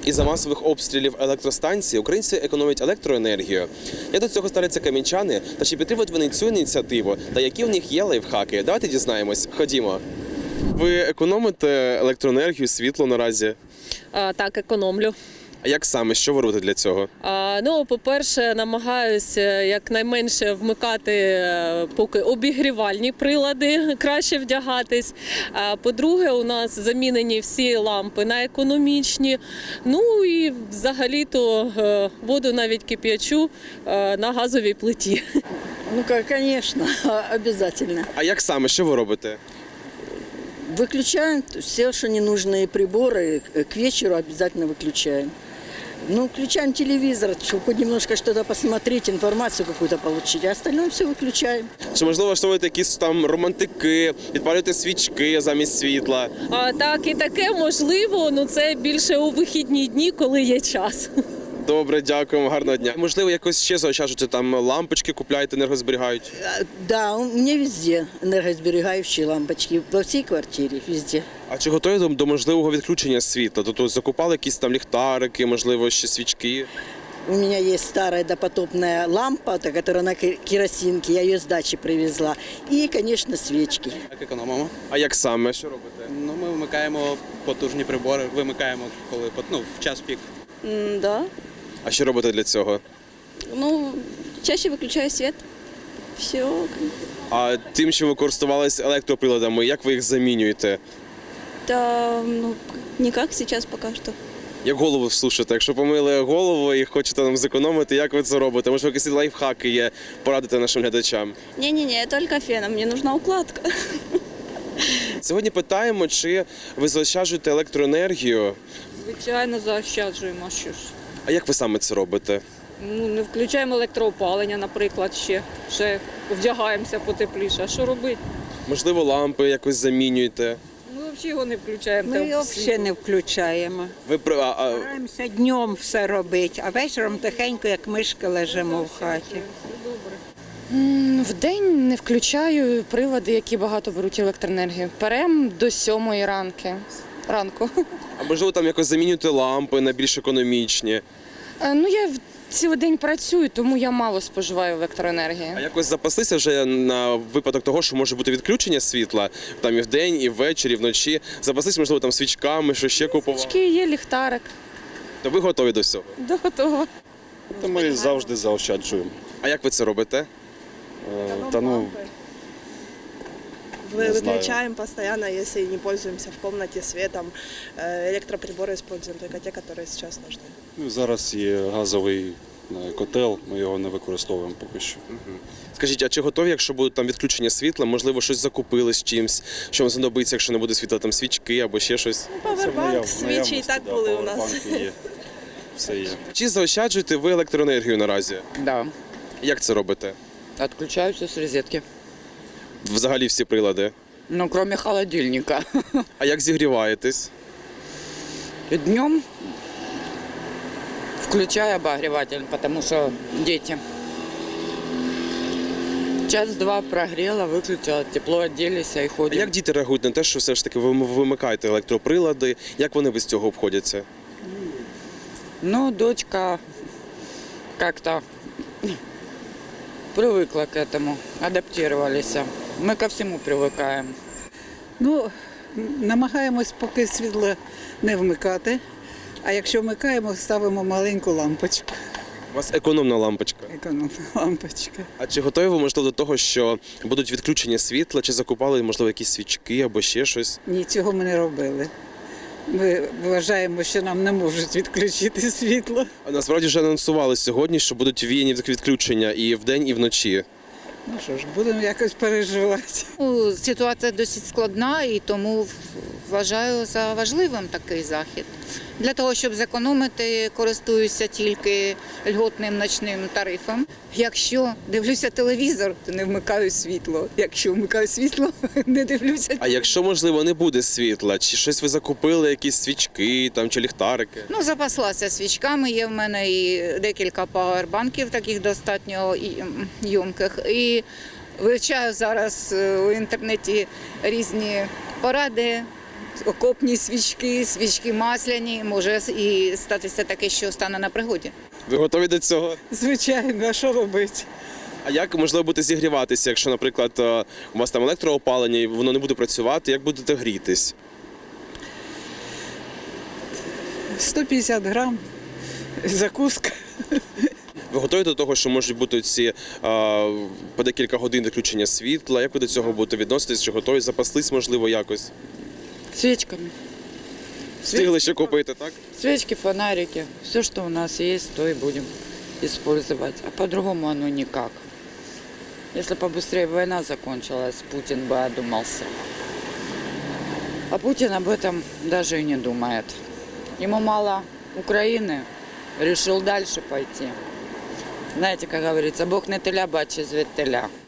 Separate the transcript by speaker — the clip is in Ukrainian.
Speaker 1: Із-за масових обстрілів електростанцій українці економлять електроенергію. Як до цього ставляться кам'янчани та чи підтримують вони цю ініціативу та які в них є лайфхаки? Давайте дізнаємось. Ходімо. Ви економите електроенергію, світло наразі?
Speaker 2: Так, економлю.
Speaker 1: А як саме? Що ви робите для цього?
Speaker 2: По-перше, намагаюся якнайменше вмикати поки обігрівальні прилади, краще вдягатись. По-друге, у нас замінені всі лампи на економічні. Ну і взагалі-то воду навіть кип'ячу на газовій плиті.
Speaker 3: Ну, конечно, обязательно.
Speaker 1: А як саме? Що ви робите?
Speaker 3: Выключаем все, что ненужные приборы, к вечеру обязательно выключаем. Ну, включаем телевизор, чтобы хоть немножко что-то посмотреть, информацию какую-то получить, а остальное все выключаем.
Speaker 1: Чи можливо влаштовуєте якісь там романтики, підпалюєте свічки замість світла?
Speaker 2: Так, і таке можливо, але це більше у вихідні дні, коли є час.
Speaker 1: Добре, дякуємо, гарного дня. Можливо, якось ще заощаджуєте, там лампочки купляєте, енергозберігаючі?
Speaker 3: Да, у меня везде энергосберегающие лампочки, во всей квартире, везде.
Speaker 1: А чи готові до можливого відключення світла? Тобто закупали якісь там ліхтарики, можливо, ще свічки?
Speaker 3: У меня есть старая допотопная лампа, которая на керосинке, я ее с дачи привезла. И, конечно, свечки.
Speaker 4: Так, економимо.
Speaker 1: А як саме? Що робите?
Speaker 4: Ну, ми вмикаємо потужні прибори, вимикаємо, коли в час пік.
Speaker 5: Да.
Speaker 1: А що робите для цього?
Speaker 5: Ну, чаще выключаю свет. Все.
Speaker 1: А тим, що ви користувалися електроприладами, як ви їх замінюєте?
Speaker 5: Да, ну, никак сейчас пока что.
Speaker 1: Як голову слушаєте? Якщо помили голову і хочете нам зекономити, як ви це робите? Може, якісь лайфхаки є, порадити нашим глядачам?
Speaker 5: Не-не-не, только феном, мне нужна укладка.
Speaker 1: Сьогодні питаємо, чи ви заощаджуєте електроенергію,
Speaker 6: Звичайно, заощаджуємо. Що ж?
Speaker 1: а як ви саме це робите?
Speaker 6: Ну, не включаємо електроопалення, наприклад, ще вдягаємося потепліше. А що робити?
Speaker 1: Можливо, лампи якось замінюєте?
Speaker 6: Ми взагалі його не включаємо.
Speaker 7: Ми його взагалі не включаємо.
Speaker 1: Ви
Speaker 7: Стараємося днем все робити, а вечором тихенько, як мишки, лежимо в хаті.
Speaker 8: Вдень не включаю прилади, які багато беруть електроенергію. Перем до 7 ранку.
Speaker 1: А можливо, там якось замінюєте лампи на більш економічні?
Speaker 8: Ну, я цілий день працюю, тому я мало споживаю електроенергії.
Speaker 1: А якось запаслися вже на випадок того, що може бути відключення світла там і вдень, і ввечері, і вночі? Запаслися, можливо, там свічками, що ще купували?
Speaker 8: Свічки є, ліхтарик.
Speaker 1: То ви готові до всього?
Speaker 8: Готово.
Speaker 9: Та ми завжди заощаджуємо.
Speaker 1: А як ви це робите?
Speaker 9: Та ну, не знаю.
Speaker 10: Выключаем постоянно, если не пользуемся в комнате светом. Электроприборы используем только те, которые сейчас нужны.
Speaker 9: Ну, зараз є газовий котел, ми його не використовуємо поки що.
Speaker 1: Скажіть, а чи готові, якщо будуть там відключення світла, можливо, щось закупили з чимось, що вам знадобиться, якщо не буде світла, там свічки або ще щось?
Speaker 10: Павербанк, свічі і так були у нас.
Speaker 9: Павербанки є, все є.
Speaker 1: Чи заощаджуєте ви електроенергію наразі?
Speaker 11: Да,
Speaker 1: Як це робите?
Speaker 11: отключаются с розетки.
Speaker 1: Взагалі всі прилади.
Speaker 11: Ну, кроме холодильника.
Speaker 1: А як зігріваєтесь?
Speaker 11: Днем включаю обогреватель, потому что дети. Час-два прогрела, выключила, тепло оделись и
Speaker 1: А
Speaker 11: ходим.
Speaker 1: як діти реагують на те, що все ж таки ви вимикаєте електроприлади? Як вони без цього обходяться?
Speaker 11: Ну, дочка как-то привыкла к этому, адаптировались. Мы ко всему привыкаем.
Speaker 7: Ну, намагаємось поки світло не вмикати, а якщо вмикаємо, ставимо маленьку лампочку,
Speaker 1: У вас економна лампочка.
Speaker 7: економна лампочка.
Speaker 1: А чи готові ви, можливо, до того, що будуть відключення світла, чи закупали, можливо, якісь свічки або ще щось?
Speaker 7: Ні, цього ми не робили. Ми вважаємо, що нам не можуть відключити світло.
Speaker 1: А насправді вже анонсували сьогодні, що будуть віяні відключення і вдень, і вночі.
Speaker 7: Ну що ж, будемо якось переживати.
Speaker 12: Ситуація досить складна і тому вважаю за важливим такий захід. Для того, щоб зекономити, користуюся тільки льготним ночним тарифом. Якщо дивлюся телевізор, то не вмикаю світло. Якщо вмикаю світло, не дивлюся.
Speaker 1: А якщо, можливо, не буде світла, чи щось ви закупили, якісь свічки там, чи ліхтарики?
Speaker 12: Ну, запаслася свічками, є в мене і декілька павербанків, таких достатньо ємких. І вивчаю зараз у інтернеті різні поради, окопні свічки, свічки масляні. Може і статися таке, що стане на пригоді.
Speaker 1: Ви готові до цього?
Speaker 7: Звичайно, а що робити?
Speaker 1: А як можливо буде зігріватися, якщо, наприклад, у вас там електроопалення і воно не буде працювати, як будете грітись?
Speaker 7: 150 грам, закуска.
Speaker 1: Ви готові до того, що можуть бути ці по декілька годин відключення світла? Як ви до цього будете відноситись? Чи готові запаслись, можливо, якось?
Speaker 8: Свічками.
Speaker 1: Встигли ще купити, так?
Speaker 8: Свечки, фонарики. Все, что у нас есть, то и будем использовать. А по-другому оно никак. Если побыстрее война закончилась, Путин бы одумался. А Путин об этом даже и не думает. Ему мало Украины, решил дальше пойти. Знаете, как говорится, Бог не теля, бачить звідтеля.